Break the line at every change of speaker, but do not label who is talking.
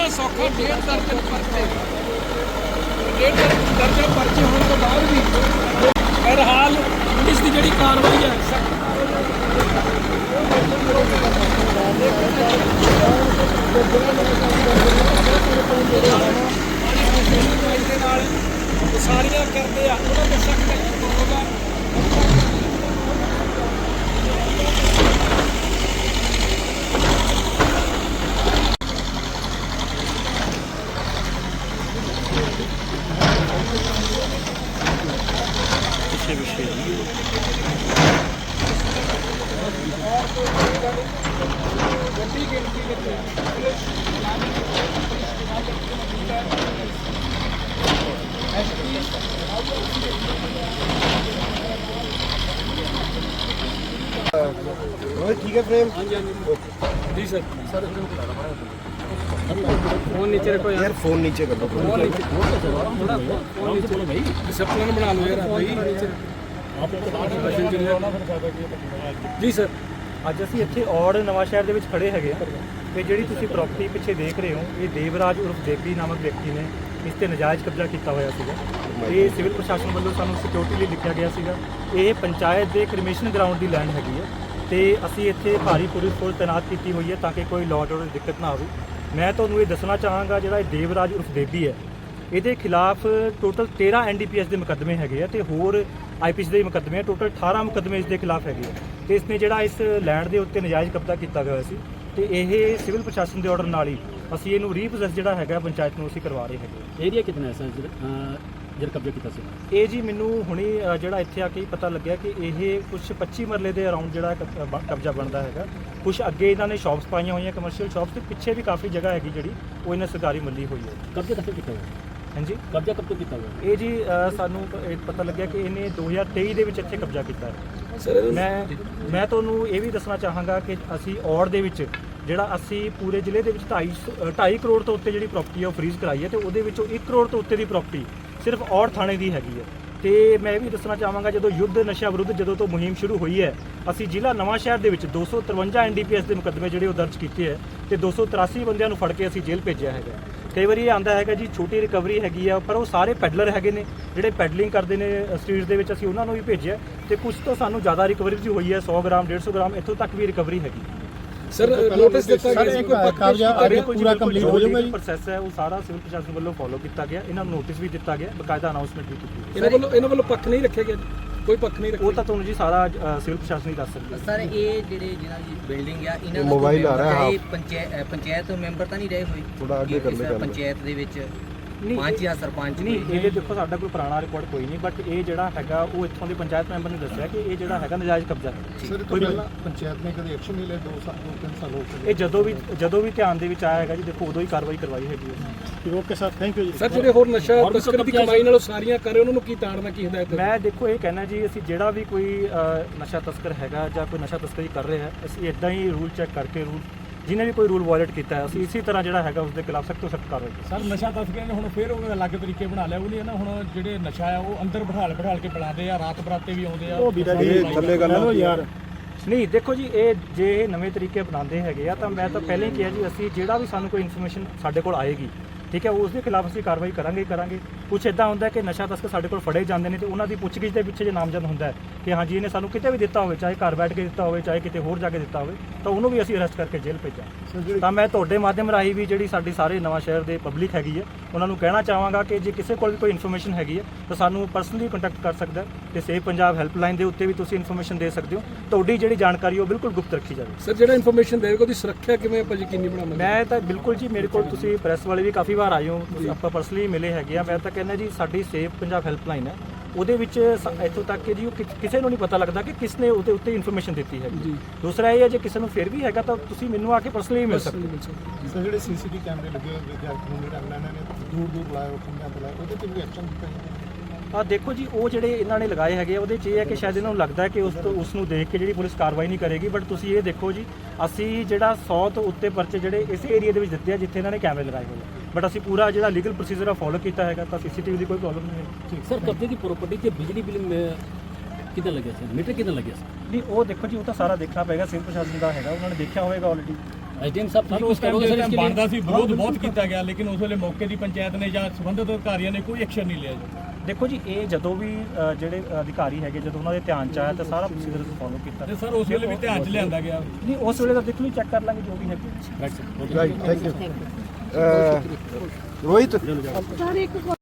बड़ा सौखा 1.5 दर्जन परचे 1.5 दर्जन परचे होने के बाद भी बहरहाल पुलिस की जी कार्रवाई है सारियां करते हैं उन्होंने सख्त होगा।
ठीक है फ्रेम
जी सर सर फोन नीचे रखो
यार फोन नीचे कर लो
डिसिप्लिन बना लो यार जी सर
ਅੱਜ ਅਸੀਂ ਇੱਥੇ ਔੜ ਨਵਾਂ ਸ਼ਹਿਰ ਦੇ ਵਿੱਚ ਖੜੇ ਹੈਗੇ ਆ ਤੇ ਜਿਹੜੀ ਤੁਸੀਂ ਪ੍ਰਾਪਰਟੀ ਪਿੱਛੇ ਦੇਖ ਰਹੇ ਹੋ ਇਹ ਦੇਵਰਾਜ ਉਰਫ ਦੇਵੀ ਨਾਮਕ ਵਿਅਕਤੀ ਨੇ ਇਸ ਤੇ ਨਜਾਇਜ਼ ਕਬਜ਼ਾ ਕੀਤਾ ਹੋਇਆ ਸੀਗਾ। ਇਹ ਸਿਵਲ ਪ੍ਰਸ਼ਾਸਨ ਵੱਲੋਂ ਸਾਨੂੰ ਸਿਕਿਉਰਿਟੀ ਲਈ ਲਿਖਿਆ ਗਿਆ ਸੀਗਾ। ਇਹ ਪੰਚਾਇਤ ਦੇ ਕ੍ਰਿਮੀਨਲ ਗਰਾਊਂਡ ਦੀ ਲੈਂਡ ਹੈਗੀ ਹੈ ਤੇ ਅਸੀਂ ਇੱਥੇ ਭਾਰੀ ਪੁਲਿਸ ਫੋਰਸ ਤੈਨਾਤ ਕੀਤੀ ਹੋਈ ਹੈ ਤਾਂ ਕਿ ਕੋਈ ਲਾਅ ਆਰਡਰ ਦੀ ਦਿੱਕਤ ਨਾ ਆਵੇ। ਮੈਂ ਤੁਹਾਨੂੰ ਇਹ ਦੱਸਣਾ ਚਾਹਾਂਗਾ ਜਿਹੜਾ ਇਹ ਦੇਵਰਾਜ ਉਰਫ ਦੇਵੀ ਹੈ ਇਹਦੇ ਖਿਲਾਫ ਟੋਟਲ 13 NDPS ਦੇ ਮੁਕੱਦਮੇ ਹੈਗੇ ਆ ਤੇ ਹੋਰ IPC ਦੇ ਮੁਕੱਦਮੇ ਆ। ਟੋਟਲ 18 ਮੁਕੱਦਮੇ ਇਸ ਦੇ ਖਿਲਾਫ ਹੈਗੇ ਆ ਤੇ ਇਸਨੇ ਜਿਹੜਾ ਇਸ ਲੈਂਡ ਦੇ ਉੱਤੇ ਨਜਾਇਜ਼ ਕਬਜ਼ਾ ਕੀਤਾ ਗਿਆ ਸੀ ਤੇ ਇਹ ਸਿਵਲ ਪ੍ਰਸ਼ਾਸਨ ਦੇ ਆਰਡਰ ਨਾਲ ਹੀ ਅਸੀਂ ਇਹਨੂੰ ਰੀਪੋਸੈਸ ਜਿਹੜਾ ਹੈਗਾ ਪੰਚਾਇਤ ਨੂੰ ਅਸੀਂ ਕਰਵਾ ਰਹੇ ਹੈਗੇ।
ਏਰੀਆ ਕਿੰਨਾ ਹੈ ਸਰ ਜਿਹੜਾ ਕਬਜ਼ਾ ਕੀਤਾ ਸੀ?
ਇਹ ਜੀ ਮੈਨੂੰ ਹੁਣੀ ਜਿਹੜਾ ਇੱਥੇ ਆ ਕੇ ਪਤਾ ਲੱਗਿਆ ਕਿ ਇਹ ਕੁਝ 25 ਮਰਲੇ ਦੇ ਅਰਾਊਂਡ ਜਿਹੜਾ ਕਬਜ਼ਾ ਬਣਦਾ ਹੈਗਾ। ਕੁਝ ਅੱਗੇ ਇਹਨਾਂ ਨੇ ਸ਼ਾਪਸ ਪਾਈਆਂ ਹੋਈਆਂ ਕਮਰਸ਼ੀਅਲ ਸ਼ਾਪਸ ਤੇ ਪਿੱਛੇ ਵੀ ਕਾਫੀ ਜਗ੍ਹਾ ਹੈਗੀ ਜਿਹੜੀ ਉਹ ਇਹਨਾਂ ਸਰਕਾਰੀ ਮੱਲੀ ਹੋਈ ਹੈ।
ਕਬਜ਼ਾ ਕਦੋਂ ਕੀਤਾ ਹੋਇਆ?
ਹਾਂਜੀ
ਕਬਜ਼ਾ ਕਦੋਂ ਕੀਤਾ ਹੋਇਆ?
ਇਹ ਜੀ ਸਾਨੂੰ ਪਤਾ ਲੱਗਿਆ ਕਿ ਇਹਨੇ 2023 ਦੇ ਵਿੱਚ ਇੱਥੇ ਕਬਜ਼ਾ ਕੀਤਾ ਹੈ।
ਸਰ
ਮੈਂ ਤੁਹਾਨੂੰ ਇਹ ਵੀ ਦੱਸਣਾ ਚਾਹਾਂਗਾ ਕਿ ਅਸੀਂ ਔੜ ਦੇ ਵਿੱਚ ਜਿਹੜਾ ਅਸੀਂ ਪੂਰੇ ਜ਼ਿਲ੍ਹੇ ਦੇ ਵਿੱਚ 2.5 ਕਰੋੜ ਤੋਂ ਉੱਤੇ ਜਿਹੜੀ ਪ੍ਰਾਪਰਟੀ ਹੈ ਉਹ ਫਰੀਜ਼ ਕਰਾਈ ਹੈ ਤੇ ਉਹਦੇ ਵਿੱਚੋਂ 1 ਕਰੋੜ ਤੋਂ ਉੱਤੇ ਦੀ ਪ੍ਰਾਪਰਟੀ ਸਿਰਫ ਔੜ ਥਾਣੇ ਦੀ ਹੈਗੀ ਹੈ। ਤੇ ਮੈਂ ਇਹ ਵੀ ਦੱਸਣਾ ਚਾਹਾਂਗਾ ਜਦੋਂ ਯੁੱਧ ਨਸ਼ਾ ਵਿਰੁੱਧ ਜਦੋਂ ਤੋਂ ਮੁਹਿੰਮ ਸ਼ੁਰੂ ਹੋਈ ਹੈ ਅਸੀਂ ਜ਼ਿਲ੍ਹਾ ਨਵਾਂ ਸ਼ਹਿਰ ਦੇ ਵਿੱਚ 253 NDPS ਦੇ ਮੁਕੱਦਮੇ ਜਿਹੜੇ ਉਹ ਦਰਜ ਕੀਤੇ ਹੈ ਤੇ 283 ਬੰਦਿਆਂ ਨੂੰ ਫੜ ਕੇ ਅਸੀਂ ਜੇਲ੍ਹ ਭੇਜਿਆ ਹੈਗਾ। ਕਈ ਵਾਰੀ ਇਹ ਆਂਦਾ ਹੈਗਾ ਜੀ ਛੋਟੀ ਰਿਕਵਰੀ ਹੈਗੀ ਆ ਪਰ ਉਹ ਸਾਰੇ ਪੈਡਲਰ ਹੈਗੇ ਨੇ ਜਿਹੜੇ ਪੈਡਲਿੰਗ ਕਰਦੇ ਨੇ ਸਟਰੀਟਸ ਦੇ ਵਿੱਚ ਅਸੀਂ ਉਹਨਾਂ ਨੂੰ ਵੀ ਭੇਜਿਆ ਤੇ ਕੁਝ ਤੋਂ ਸਾਨੂੰ ਜ਼ਿਆਦਾ ਰਿਕਵਰੀ ਵੀ ਹੋਈ ਹੈ 100 ਗ੍ਰਾਮ 150 ਗ੍ਰਾਮ ਇੱਥੋਂ ਤੱਕ ਵੀ ਰਿਕਵਰੀ ਹੈਗੀ।
ਸਰ ਨੋਟਿਸ ਦਿੱਤਾ ਗਿਆ
ਪੂਰਾ ਕੰਪਲੀਟ ਹੋ ਜਾਊਗਾ ਜੀ। ਪ੍ਰੋਸੈਸ ਹੈ ਉਹ ਸਾਰਾ ਸਿਵਲ ਪ੍ਰਸ਼ਾਸਨ ਵੱਲੋਂ ਫੋਲੋ ਕੀਤਾ ਗਿਆ। ਇਹਨਾਂ ਨੂੰ ਨੋਟਿਸ ਵੀ ਦਿੱਤਾ ਗਿਆ ਬਕਾਇਦਾ ਅਨਾਉਂਸਮੈਂਟ ਵੀ ਕੀਤੀ
ਇਹਨਾਂ ਵੱਲੋਂ ਪੱਖ ਨਹੀਂ ਰੱਖਿਆ ਗਿਆ ਕੋਈ ਪੱਖ ਨਹੀਂ ਰੱਖਿਆ
ਉਹ ਤਾਂ ਤੁਹਾਨੂੰ ਜੀ ਸਾਰਾ ਸਿਵਲ ਪ੍ਰਸ਼ਾਸਨ ਹੀ ਦੱਸ ਸਕਦਾ।
ਸਰ ਇਹ ਜਿਹੜੇ ਜਿਹਨਾਂ ਦੀ ਬਿਲਡਿੰਗ ਆ ਇਹਨਾਂ ਦਾ
ਮੋਬਾਈਲ ਆ ਰਿਹਾ ਹੈ
ਪੰਚਾਇਤ ਮੈਂਬਰ ਤਾਂ ਨਹੀਂ ਰਹੇ ਹੋਏ
ਥੋੜਾ ਅੱਗੇ ਕਰ ਲੈ
ਪੰਚਾਇਤ ਦੇ ਵਿੱਚ ਪੰਚ ਜਾਂ ਸਰਪੰਚ
ਨਹੀਂ ਇਹ ਦੇਖੋ ਸਾਡਾ ਕੋਈ ਪੁਰਾਣਾ ਰਿਕਾਰਡ ਕੋਈ ਨਹੀਂ ਬਟ ਇਹ ਜਿਹੜਾ ਹੈਗਾ ਉਹ ਇੱਥੋਂ ਦੇ ਪੰਚਾਇਤ ਮੈਂਬਰ ਨੇ ਦੱਸਿਆ ਕਿ ਇਹ ਜਿਹੜਾ ਹੈਗਾ ਨਜਾਇਜ਼ ਕਬਜ਼ਾ ਹੈ।
ਕੋਈ ਪੰਚਾਇਤ ਨੇ ਕਦੇ ਐਕਸ਼ਨ ਨਹੀਂ ਲਿਆ 2-3 ਸਾਲ ਹੋ ਗਏ
ਇਹ ਜਦੋਂ ਵੀ ਧਿਆਨ ਦੇ ਵਿੱਚ ਆਇਆ ਹੈਗਾ ਜੀ ਦੇਖੋ ਉਦੋਂ ਹੀ ਕਾਰਵਾਈ ਕਰਵਾਈ ਹੈਗੀ ਹੈ।
Okay sir thank you ji.
Sir ਜਿਹੜੇ ਹੋਰ ਨਸ਼ਾ ਤਸਕਰੀ ਦੀ ਕਮਾਈ ਨਾਲ ਸਾਰੀਆਂ ਕਰੇ ਉਹਨਾਂ ਨੂੰ ਕੀ ਤਾੜਨਾ ਕੀ ਹਦਾਇਤ?
ਮੈਂ ਦੇਖੋ ਇਹ ਕਹਿਣਾ ਜੀ ਅਸੀਂ ਜਿਹੜਾ ਵੀ ਕੋਈ ਨਸ਼ਾ ਤਸਕਰ ਹੈਗਾ ਜਾਂ ਕੋਈ ਨਸ਼ਾ ਤਸਕਰੀ ਕਰ ਰਿਹਾ ਹੈ ਅਸੀਂ ਇਦਾਂ ਹੀ ਰੂਲ ਚੈੱਕ ਕਰਕੇ ਰੂਲ ਜਿਹਨੇ ਵੀ ਕੋਈ ਰੂਲ ਵਾਇਲੇਟ ਕੀਤਾ ਹੈ ਅਸੀਂ ਇਸੇ ਤਰ੍ਹਾਂ ਜਿਹੜਾ ਹੈਗਾ ਉਸ ਦੇ ਖਿਲਾਫ ਸਖਤ ਤੋਂ ਸਖਤ ਕਾਰਵਾਈ ਕਰਾਂਗੇ।
ਸਰ ਨਸ਼ਾ ਤਸਕਰਾਂ ਨੇ ਹੁਣ ਫਿਰ ਉਹ ਅਲੱਗ ਤਰੀਕੇ ਬਣਾ ਲਿਆ ਉਹ ਨਹੀਂ ਨਾ ਹੁਣ ਜਿਹੜੇ ਨਸ਼ਾ ਆ ਉਹ ਅੰਦਰ ਬਿਠਾਲ ਕੇ ਪਿਲਾਉਂਦੇ ਆ ਰਾਤ ਬਰਾਤੇ ਵੀ ਆਉਂਦੇ ਆ।
ਉਹ ਵੀਰਾ ਜੀ ਥੱਲੇ ਗੱਲ ਯਾਰ
ਨਹੀਂ ਦੇਖੋ ਜੀ ਇਹ ਜੇ ਨਵੇਂ ਤਰੀਕੇ ਬਣਾਉਂਦੇ ਹੈਗੇ ਆ ਤਾਂ ਮੈਂ ਤਾਂ ਪਹਿਲਾਂ ਹੀ ਕਿਹਾ ਜੀ ਅਸੀਂ ਜਿਹੜਾ ਵੀ ਸਾਨੂੰ ਕੋਈ ਇਨਫੋਰਮੇਸ਼ਨ ਸਾਡੇ ਕੋਲ ਆਏਗੀ ਠੀਕ ਹੈ ਉਸ ਦੇ ਖਿਲਾਫ ਅਸੀਂ ਕਾਰਵਾਈ ਕਰਾਂਗੇ। ਕੁਛ ਇਦਾਂ ਹੁੰਦਾ ਕਿ ਨਸ਼ਾ ਤਸਕਰ ਸਾਡੇ ਕੋਲ ਫੜੇ ਜਾਂਦੇ ਨੇ ਤੇ ਉਹਨਾਂ ਦੀ ਪੁੱਛਗਿੱਛ ਦੇ ਪਿੱਛੇ ਜੇ ਨਾਮਜ਼ਦ ਹੁੰਦਾ ਹੈ ਕਿ ਹਾਂਜੀ ਇਹਨੇ ਸਾਨੂੰ ਕਿਤੇ ਵੀ ਦਿੱਤਾ ਹੋਵੇ ਚਾਹੇ ਘਰ ਬੈਠ ਕੇ ਦਿੱਤਾ ਹੋਵੇ ਚਾਹੇ ਕਿਤੇ ਹੋਰ ਜਾ ਕੇ ਦਿੱਤਾ ਹੋਵੇ ਤਾਂ ਉਹਨੂੰ ਵੀ ਅਸੀਂ ਅਰੈਸਟ ਕਰਕੇ ਜੇਲ੍ਹ ਭੇਜਾਂ। ਤਾਂ ਮੈਂ ਤੁਹਾਡੇ ਮਾਧਿਅਮ ਰਾਹੀਂ ਵੀ ਜਿਹੜੀ ਸਾਡੀ ਸਾਰੇ ਨਵਾਂ ਸ਼ਹਿਰ ਦੇ ਪਬਲਿਕ ਹੈਗੀ ਹੈ ਉਹਨਾਂ ਨੂੰ ਕਹਿਣਾ ਚਾਹਾਂਗਾ ਕਿ ਜੇ ਕਿਸੇ ਕੋਲ ਵੀ ਕੋਈ ਇਨਫੋਰਮੇਸ਼ਨ ਹੈਗੀ ਹੈ ਤਾਂ ਸਾਨੂੰ ਪਰਸਨਲੀ ਕੰਟੈਕਟ ਕਰ ਸਕਦਾ ਤੇ ਸੇਵ ਪੰਜਾਬ ਹੈਲਪਲਾਈਨ ਦੇ ਉੱਤੇ ਵੀ ਤੁਸੀਂ ਇਨਫੋਰਮੇਸ਼ਨ ਦੇ ਸਕਦੇ ਹੋ। ਤੁਹਾਡੀ ਜਿਹੜੀ ਜਾਣਕਾਰੀ ਉਹ ਬਿਲਕੁਲ ਗੁਪਤ ਰੱਖੀ ਜਾਵੇ।
ਸਰ ਜਿਹੜਾ ਇਨਫੋਰਮੇਸ਼ਨ ਦੇਵੇਗਾ ਉਹਦੀ ਸੁਰੱਖਿਆ ਕਿਵੇਂ ਆਪਾਂ ਯਕੀਨੀ ਬਣਾਵਾਂਗੇ?
ਮੈਂ ਤਾਂ ਬਿਲਕੁਲ ਜੀ ਮੇਰੇ ਕੋਲ ਤੁਸੀਂ ਪ੍ਰੈਸ ਵਾਲੇ ਵੀ ਕਾਫੀ ਵਾਰ ਆਏ ਹੋ ਆਪਾਂ ਪਰਸਨਲੀ ਮਿਲੇ ਹੈਗੇ ਆ। ਮੈਂ ਤਾਂ ਕਹਿੰਦਾ ਜੀ ਸਾਡੀ ਸੇਵ ਪੰਜਾਬ ਹੈਲਪਲਾਈਨ ਹੈ ਉਹਦੇ ਵਿੱਚ ਇੱਥੋਂ ਤੱਕ ਕਿ ਜੀ ਉਹ ਕਿਸੇ ਨੂੰ ਨਹੀਂ ਪਤਾ ਲੱਗਦਾ ਕਿ ਕਿਸ ਨੇ ਉਹਦੇ ਉੱਤੇ ਇਨਫੋਰਮੇਸ਼ਨ ਦਿੱਤੀ ਹੈ ਜੀ। ਦੂਸਰਾ ਇਹ ਹੈ ਜੇ ਕਿਸੇ ਨੂੰ ਫਿਰ ਵੀ ਹੈਗਾ ਤਾਂ ਤੁਸੀਂ ਮੈਨੂੰ ਆ ਕੇ ਪਰਸਨਲੀ ਮਿਲ ਸਕਦੇ ਹੋ।
ਸਰ ਜਿਹੜੇ CCTV ਕੈਮਰੇ ਲੱਗੇ ਹੋਏ ਵਿਦਿਆਰਥੀ ਨੂੰ ਜਿਹੜਾ ਇਹਨਾਂ ਨੇ ਦੂਰ ਲਾਇਆ ਖੰਭਿਆਂ ਤੇ ਲਾਇਆ ਉਹਦੇ ਤੇ ਵੀ ਐਕਸ਼ਨ ਦਿੱਤਾ ਜਾਂਦਾ?
ਦੇਖੋ ਜੀ ਉਹ ਜਿਹੜੇ ਇਹਨਾਂ ਨੇ ਲਗਾਏ ਹੈਗੇ ਉਹਦੇ 'ਚ ਇਹ ਹੈ ਕਿ ਸ਼ਾਇਦ ਇਹਨਾਂ ਨੂੰ ਲੱਗਦਾ ਹੈ ਕਿ ਉਸ ਨੂੰ ਦੇਖ ਕੇ ਜਿਹੜੀ ਪੁਲਿਸ ਕਾਰਵਾਈ ਨਹੀਂ ਕਰੇਗੀ ਬਟ ਤੁਸੀਂ ਇਹ ਦੇਖੋ ਜੀ ਅਸੀਂ ਜਿਹੜਾ 100 ਤੋਂ ਉੱਤੇ ਪਰਚੇ ਜਿਹੜੇ ਇਸੇ ਏਰੀਆ ਦੇ ਵਿੱਚ ਦਿੱਤੇ ਆ ਜਿੱਥੇ ਇਹਨਾਂ ਨੇ ਕੈਮਰੇ ਲਗਾਏ ਹੋਏ ਆ ਬਟ ਅਸੀਂ ਪੂਰਾ ਜਿਹੜਾ ਲੀਗਲ ਪ੍ਰੋਸੀਜਰ ਆ ਫੋਲੋ ਕੀਤਾ ਹੈਗਾ ਤਾਂ CCTV ਦੀ ਕੋਈ ਪ੍ਰੋਬਲਮ ਨਹੀਂ ਹੈ।
ਸਰ ਕਬਜ਼ੇ ਦੀ ਪ੍ਰਾਪਰਟੀ ਤੇ ਬਿਜਲੀ ਬਿੱਲ ਕਿੱਦਾਂ ਲੱਗਿਆ ਸੀ ਮੀਟਰ ਕਿੱਦਾਂ ਲੱਗਿਆ ਸੀ?
ਨਹੀਂ ਉਹ ਦੇਖੋ ਜੀ ਉਹ ਤਾਂ ਸਾਰਾ ਦੇਖਣਾ ਪਏਗਾ ਸਿਵਲ ਪ੍ਰਸ਼ਾਸਨ ਦਾ ਹੈਗਾ ਉਹਨਾਂ ਨੇ ਦੇਖਿਆ ਹੋਵੇਗਾ ਆਲਰੇਡੀ
एसडीएम साहब
ਸਰ ਉਸ ਟਾਈਮ ਦੇ ਬਣਦਾ ਸੀ, ਵਿਰੋਧ ਬਹੁਤ ਕੀਤਾ ਗਿਆ, ਲੇਕਿਨ ਉਸ ਵੇਲੇ ਮੌਕੇ ਦੀ ਪੰਚਾਇਤ ਨੇ ਜਾਂ ਸੰਬੰਧਿਤ ਅਧਿਕਾਰੀਆਂ ਨੇ ਕੋਈ ਐਕਸ਼ਨ ਨਹੀਂ ਲਿਆ ਜੀ।
ਦੇਖੋ ਜੀ, ਇਹ ਜਦੋਂ ਵੀ ਜਿਹੜੇ ਅਧਿਕਾਰੀ ਹੈਗੇ ਜਦੋਂ ਉਹਨਾਂ ਦੇ ਧਿਆਨ ਚ ਆਇਆ ਤਾਂ ਸਾਰਾ ਪ੍ਰੋਸੀਜਰ ਫੋਲੋ ਕੀਤਾ।
ਤੇ ਸਰ ਉਸ ਵੇਲੇ ਵੀ ਧਿਆਨ 'ਚ ਲਿਆਂਦਾ ਗਿਆ।
ਨਹੀਂ, ਉਸ ਵੇਲੇ ਤਾਂ ਦੇਖੋ ਚੈੱਕ ਕਰ ਲਾਂਗੇ ਜੋ ਵੀ ਹੈ।
Right, thank you. ਰੋਹਿਤ